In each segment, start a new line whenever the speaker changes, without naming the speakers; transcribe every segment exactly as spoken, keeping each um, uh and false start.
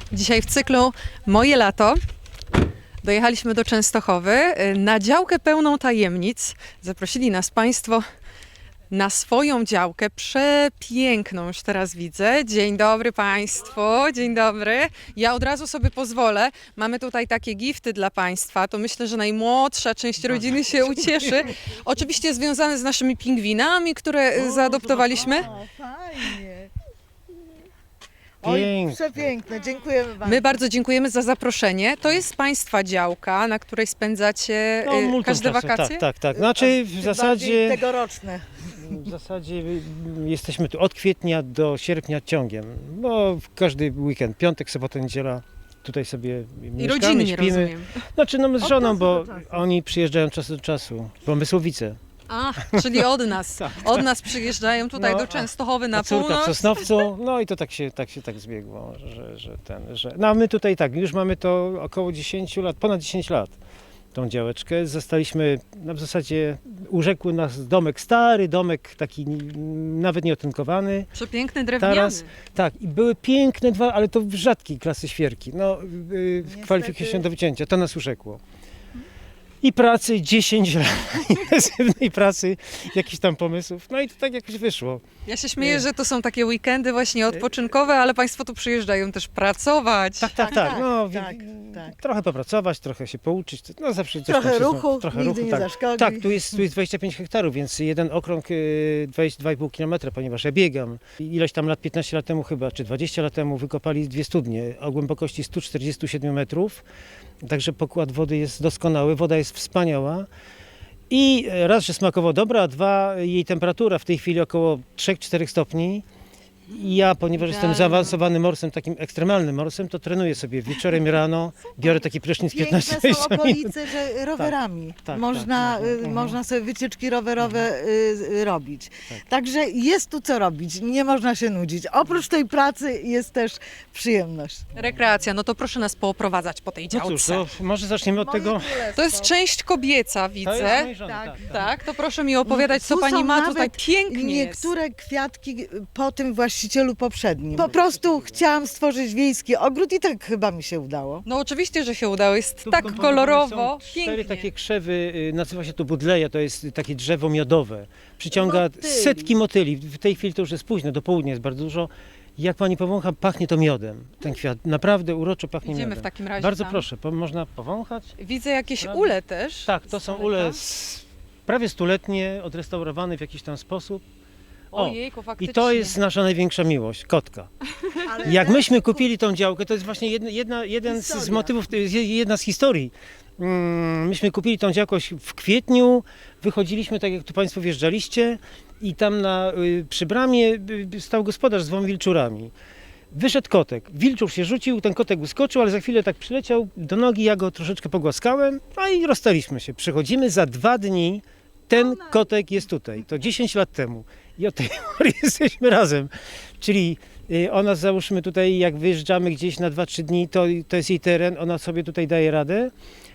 Dzisiaj w cyklu Moje lato dojechaliśmy do Częstochowy na działkę pełną tajemnic. Zaprosili nas Państwo na swoją działkę, przepiękną, już teraz widzę. Dzień dobry Państwu, dzień dobry. Ja od razu sobie pozwolę, mamy tutaj takie gifty dla Państwa, to myślę, że najmłodsza część rodziny się ucieszy. Oczywiście związane z naszymi pingwinami, które zaadoptowaliśmy.
O, fajnie. Oj,
Piękne.
przepiękne, dziękujemy bardzo.
My bardzo dziękujemy za zaproszenie. To jest Państwa działka, na której spędzacie
No,
y,
multum
każde
czasu,
wakacje?
Tak, tak, tak. Znaczy w
Tym
zasadzie,
bardziej tegoroczne.
w zasadzie jesteśmy tu od kwietnia do sierpnia ciągiem, bo w każdy weekend, piątek, sobota, niedziela tutaj sobie
I
mieszkamy,
rodzinnie,
śpimy.
rozumiem.
Znaczy no my z
Od
żoną,
czasu
bo
do czasu.
oni przyjeżdżają od czasu do czasu, Pomysłowice.
Ach, czyli od nas. Od nas przyjeżdżają tutaj
No,
do Częstochowy na
A córka w
północ.
Sosnowcu, no i to tak się tak, się tak zbiegło, że, że ten, że... No a my tutaj tak, już mamy to około dziesięć lat, ponad dziesięć lat, tą działeczkę. Zostaliśmy, no w zasadzie urzekł nas domek, stary domek, taki n- nawet nieotynkowany.
Przepiękny drewniany.
Teraz, tak, i były piękne dwa, ale to rzadkiej klasy świerki, no yy,
Niestety.
kwalifikują się do wycięcia, to nas urzekło. I pracy dziesięć lat, intensywnej pracy, jakichś tam pomysłów, no i to tak jakoś wyszło.
Ja się śmieję, że to są takie weekendy właśnie odpoczynkowe, ale Państwo tu przyjeżdżają też pracować.
Tak, tak,
Tak,
tak.
tak,
No,
tak,
wi-
tak.
Trochę popracować, trochę się pouczyć. No zawsze coś
Trochę
tam się
ruchu,
zna- trochę
nigdy nie
tak.
zaszkodzi.
Tak, tu jest, tu jest dwadzieścia pięć hektarów, więc jeden okrąg y, dwadzieścia dwa i pół kilometra, ponieważ ja biegam. I Ileś tam lat, piętnaście lat temu chyba, czy dwadzieścia lat temu wykopali dwie studnie o głębokości sto czterdzieści siedem metrów. Także pokład wody jest doskonały, woda jest wspaniała. I raz, że smakowo dobra, a dwa, jej temperatura w tej chwili około trzy cztery stopni. I ja, ponieważ jestem
Idealnie.
zaawansowanym morsem, takim ekstremalnym morsem, to trenuję sobie wieczorem i rano, biorę taki prysznic piętnaście
Piękne są
dwadzieścia minut.
okolice, że rowerami
tak,
można,
tak,
y,
mhm.
można sobie wycieczki rowerowe y, y, robić.
Tak.
Także jest tu co robić, nie można się nudzić. Oprócz tej pracy jest też przyjemność.
Rekreacja, no to proszę nas pooprowadzać po tej
No cóż,
działce.
to może zaczniemy od tego.
To jest część kobieca,
To jest
widzę.
mojej żony,
Tak,
tak, tak.
Tak, to proszę mi opowiadać, co
Tu
Pani
są
ma
nawet
tutaj. Pięknie
Niektóre
jest.
kwiatki po tym właścicielu poprzednim. Po prostu chciałam stworzyć wiejski ogród i tak chyba mi się udało.
No oczywiście, że się udało, jest
Tu
tak
wkomponowane
kolorowo,
są cztery
pięknie.
takie krzewy, y, nazywa się to budleja, to jest takie drzewo miodowe. Przyciąga
Motyli.
setki motyli. W tej chwili to już jest późno, do południa jest bardzo dużo. Jak pani powącha, pachnie to miodem, ten kwiat. Naprawdę uroczo pachnie
Idziemy
miodem.
w takim razie
Bardzo
tam.
proszę, po, można powąchać.
Widzę jakieś
Prawda?
ule też.
Tak, to są
z
ule
daleka.
z, prawie stuletnie, odrestaurowane w jakiś tam sposób. O,
Ojejku, faktycznie.
I to jest nasza największa miłość, kotka.
Ale
Jak
też
myśmy kupili tą działkę, to jest właśnie jedna, jedna, jeden z, z
Historia.
motywów, to jest je- jedna z historii. Mm, Myśmy kupili tą działkę w kwietniu, wychodziliśmy tak jak tu Państwo wjeżdżaliście i tam na, y, przy bramie y, stał gospodarz z dwoma wilczurami. Wyszedł kotek, wilczur się rzucił, ten kotek wyskoczył, ale za chwilę tak przyleciał do nogi, ja go troszeczkę pogłaskałem, no i rozstaliśmy się. Przychodzimy za dwa dni, ten kotek jest tutaj, to dziesięć lat temu i od tej pory jesteśmy razem. Czyli y, ona załóżmy tutaj, jak wyjeżdżamy gdzieś na dwa trzy dni, to, to jest jej teren, ona sobie tutaj daje radę.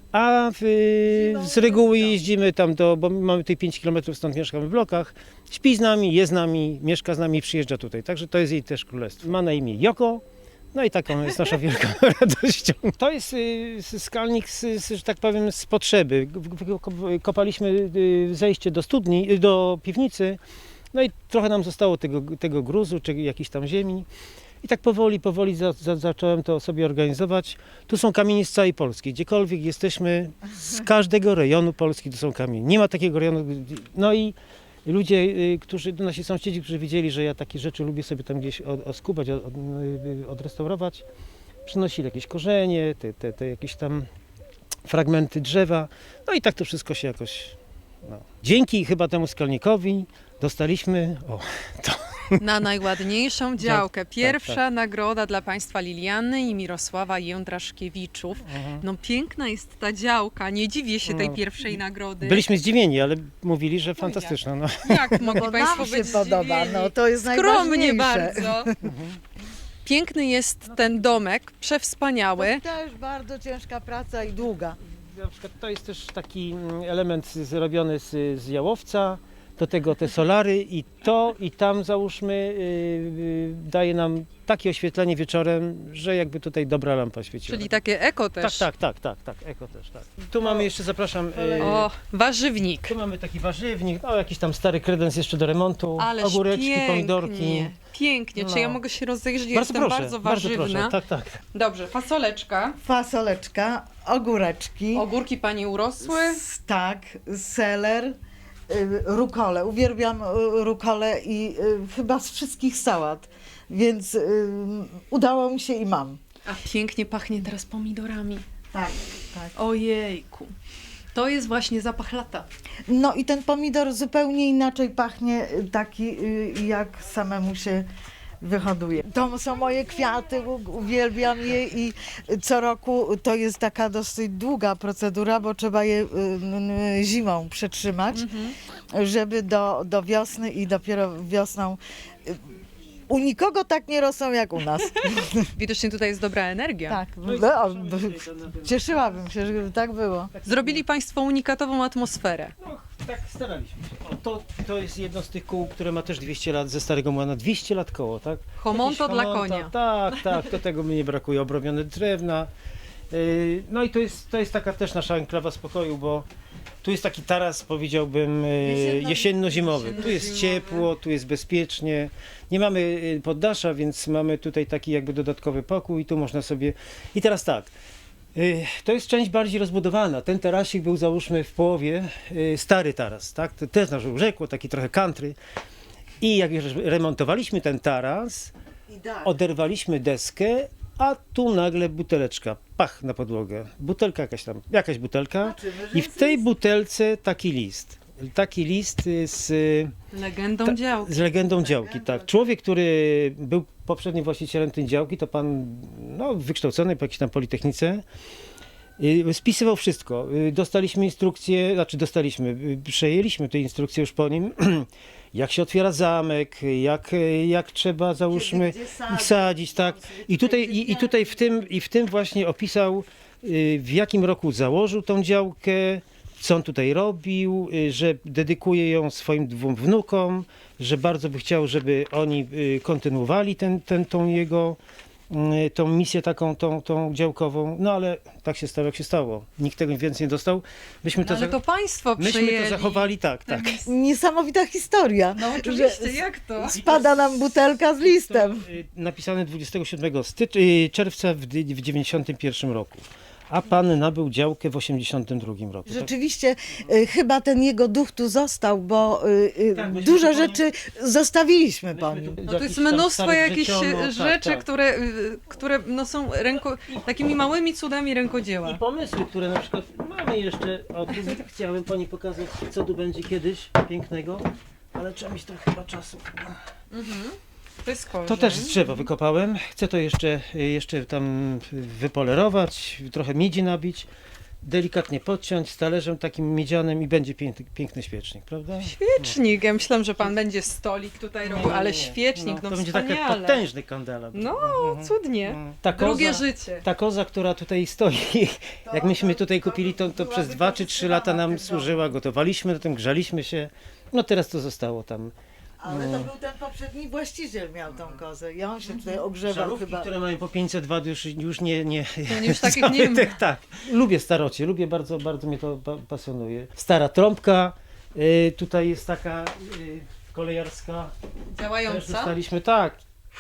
A w, y, z reguły jeździmy tam do, bo my mamy tutaj pięć kilometrów, stąd mieszkamy w blokach. Śpi z nami, je z nami, mieszka z nami i przyjeżdża tutaj. Także to jest jej też królestwo. Ma na imię Joko. No i taką jest nasza wielką radością. To jest y, skalnik, z, z, że tak powiem, z potrzeby. G- g- Kopaliśmy y, zejście do studni, y, do piwnicy. No i trochę nam zostało tego, tego gruzu, czy jakiejś tam ziemi. I tak powoli, powoli za, za, zacząłem to sobie organizować. Tu są kamienie z całej Polski. Gdziekolwiek jesteśmy, z każdego rejonu Polski tu są kamienie. Nie ma takiego rejonu. No i ludzie, y, którzy, nasi sąsiedzi, którzy widzieli, że ja takie rzeczy lubię sobie tam gdzieś od, oskubać, od, od, y, odrestaurować, przynosili jakieś korzenie, te, te, te jakieś tam fragmenty drzewa. No i tak to wszystko się jakoś... No. Dzięki chyba temu skalnikowi dostaliśmy... O, to
Na najładniejszą działkę. Pierwsza
tak.
nagroda dla Państwa Liliany i Mirosława Jędraszkiewiczów. No piękna jest ta działka, nie dziwię się tej
No.
pierwszej nagrody.
Byliśmy zdziwieni, ale mówili, że fantastyczna. No.
Jak mogli
Bo
Państwo
nam się
być
podoba,
zdziwieni?
no to jest
Skromnie
najważniejsze.
bardzo. Piękny jest ten domek, przewspaniały.
To też bardzo ciężka praca i długa.
Na przykład to jest też taki element zrobiony z, z jałowca. do tego te solary i to i tam załóżmy y, y, daje nam takie oświetlenie wieczorem, że jakby tutaj dobra lampa świeciła.
Czyli takie eko
tak,
też.
tak, tak, tak, tak, eko też, tak. Tu mamy jeszcze, zapraszam, y,
O, warzywnik.
tu mamy taki warzywnik, no jakiś tam stary kredens jeszcze do remontu,
Ależ
ogóreczki,
pięknie,
pomidorki.
Pięknie, czy
No.
ja mogę się rozejrzeć?
Bardzo
Jestem
proszę,
bardzo
bardzo
warzywna.
proszę, tak, tak.
Dobrze, fasoleczka.
Fasoleczka, ogóreczki,
Ogórki pani urosły.
s- tak, seler, y, rukole. Uwielbiam y, rukole i y, chyba z wszystkich sałat, więc y, udało mi się i mam.
A pięknie pachnie teraz pomidorami.
Tak, tak.
Ojejku. To jest właśnie zapach lata.
No i ten pomidor zupełnie inaczej pachnie, y, taki y, jak samemu się wyhoduje. To są moje kwiaty, u- uwielbiam je i co roku to jest taka dosyć długa procedura, bo trzeba je y, n- n- zimą przetrzymać, żeby do, do wiosny i dopiero wiosną y, u nikogo tak nie rosną jak u nas.
Widocznie tutaj jest dobra energia.
Tak,
No i
no,
zapraszamy
b-
tutaj do- na-
cieszyłabym się, żeby tak było.
Zrobili państwo unikatową atmosferę.
No, tak staraliśmy się. O, to, to jest jedno z tych kół, które ma też dwieście lat ze Starego Młana. dwieście lat koło, tak?
Homonto
Jakieś
dla
homonta,
konia.
Tak, tak, do tego mi nie brakuje. Obrobione drewna. Yy, No i to jest, to jest taka też nasza enklawa spokoju, bo tu jest taki taras, powiedziałbym, yy,
Jesienno-
jesienno-zimowy. Tu jest
jesienno-zimowy.
ciepło, tu jest bezpiecznie. Nie mamy yy, poddasza, więc mamy tutaj taki jakby dodatkowy pokój i tu można sobie... I teraz tak, yy, to jest część bardziej rozbudowana. Ten tarasik był załóżmy w połowie yy, stary taras, tak? To też nasz rzekło, taki trochę country. I jak już remontowaliśmy ten taras, oderwaliśmy deskę, a tu nagle buteleczka, pach na podłogę. Butelka jakaś tam, jakaś butelka i w tej butelce taki list. Taki list y, z, y,
Legendą
Ta-
działki.
z legendą działki, tak. Człowiek, który był poprzednim właścicielem tej działki, to pan no, wykształcony po jakiejś tam politechnice, y, spisywał wszystko. Y, Dostaliśmy instrukcje, znaczy dostaliśmy, y, przejęliśmy te instrukcje już po nim, jak się otwiera zamek, jak, y, jak trzeba, załóżmy,
Gdzie
ich
sadzić.
sadzić, tak. I tutaj, i, i tutaj w, tym, i w tym właśnie opisał, y, w jakim roku założył tą działkę, co on tutaj robił, y, że dedykuje ją swoim dwóm wnukom, że bardzo by chciał, żeby oni y, kontynuowali ten, ten, tą jego y, tą misję taką, tą, tą działkową. No ale tak się stało, jak się stało. Nikt tego więcej nie dostał. Myśmy
No,
to,
ale
za-
to państwo
myśmy
przejęli.
to zachowali, tak, tak.
Niesamowita historia.
No
że
oczywiście, jak to?
Spada nam butelka z listem.
To, y, napisane dwudziestego siódmego stycz- y, czerwca w, dy- w dziewięćdziesiątym pierwszym roku. A pan nabył działkę w osiemdziesiątym drugim roku. Tak?
Rzeczywiście y, chyba ten jego duch tu został, bo y, y,
Tak, myśmy
dużo
tu po nim-
rzeczy zostawiliśmy po
Myśmy
nim.
tu
No to jest
jakiś tam
mnóstwo
starych
jakichś
wrzeciono,
e,
tak,
rzeczy,
tak.
Które, y, które no są ręko, takimi małymi cudami rękodzieła.
I pomysły, które na przykład mamy jeszcze, o tu chciałem pani pokazać, co tu będzie kiedyś pięknego, ale trzeba mieć trochę chyba czasu.
To jest korzeń.
To też z drzewa wykopałem, chcę to jeszcze, jeszcze tam wypolerować, trochę miedzi nabić, delikatnie podciąć z talerzem takim miedzianym i będzie piękny, piękny świecznik, prawda?
Świecznik. Ja myślałam, że pan będzie stolik tutaj
Nie,
robił,
nie,
ale
nie.
świecznik, no,
To będzie taki
wspaniale.
potężny kandela.
No, cudnie.
Ta
Drugie
koza,
życie.
ta koza, która tutaj stoi, jak myśmy tutaj kupili, to, to przez dwa czy trzy lata nam służyła, gotowaliśmy na tym, grzaliśmy się. No teraz to zostało tam.
Ale to był ten poprzedni właściciel miał tą kozę i on się tutaj ogrzewał
Żarówki,
chyba.
które mają po pięćset watów już, już nie... nie
To już takich nie ma.
tak, tak. Lubię starocie, lubię bardzo, bardzo mnie to pa- pasjonuje. Stara trąbka, y, tutaj jest taka y, kolejarska, też
Działająca.
dostaliśmy, tak.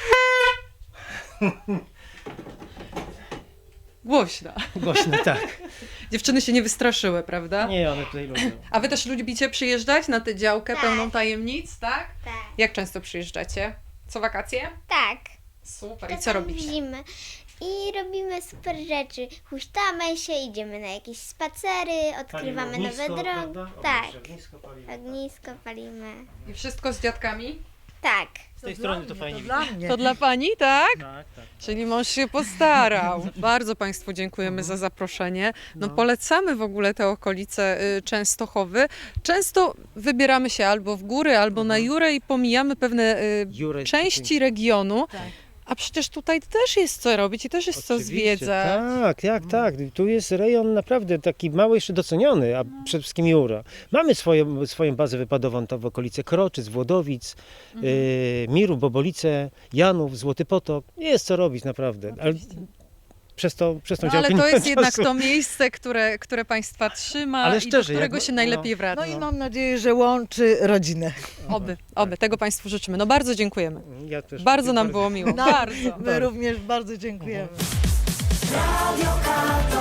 Głośna.
Głośno, tak.
Dziewczyny się nie wystraszyły, prawda?
Nie, one tutaj lubią.
A wy też lubicie przyjeżdżać na tę działkę
Tak.
pełną tajemnic, tak?
Tak.
Jak często przyjeżdżacie? Co wakacje?
Tak.
Super. I co
Czasem
robicie?
w zimę. I robimy super rzeczy. Huśtamy się, idziemy na jakieś spacery, odkrywamy
Palimy
nowe
ognisko,
drogi.
prawda? O,
Tak.
ognisko palimy.
Ognisko palimy.
I wszystko z dziadkami?
Tak.
Z tej strony to fajnie
Dla
widać.
mnie.
To dla pani, tak?
Tak, tak.
Czyli mąż się postarał. Bardzo Państwu dziękujemy za zaproszenie. No polecamy w ogóle te okolice y, Częstochowy. Często wybieramy się albo w góry, albo na Jurę i pomijamy pewne y,
Jurę,
części regionu.
Tak.
A przecież tutaj też jest co robić i też jest co
Oczywiście,
zwiedzać.
Tak, tak, tak. Tu jest rejon naprawdę taki mały, jeszcze doceniony, a przede wszystkim Jura. Mamy swoją, swoją bazę wypadową tam w okolice Kroczyc, Włodowic,
Mhm.
y, Miru, Bobolice, Janów, Złoty Potok. Jest co robić naprawdę. Ale przez, to, przez tą
No,
działkę
ale
nie
to
ma
jest jednak
czasu.
to miejsce, które, które Państwa trzyma
Ale
i do
szczerze,
którego
jak-
się najlepiej
no.
wraca.
No i mam nadzieję, że łączy rodzinę.
Oby, oby. Tego Państwu życzymy. No bardzo dziękujemy.
Ja też
Bardzo nam było miło.
No,
Bardzo.
my również bardzo dziękujemy.
Radio K.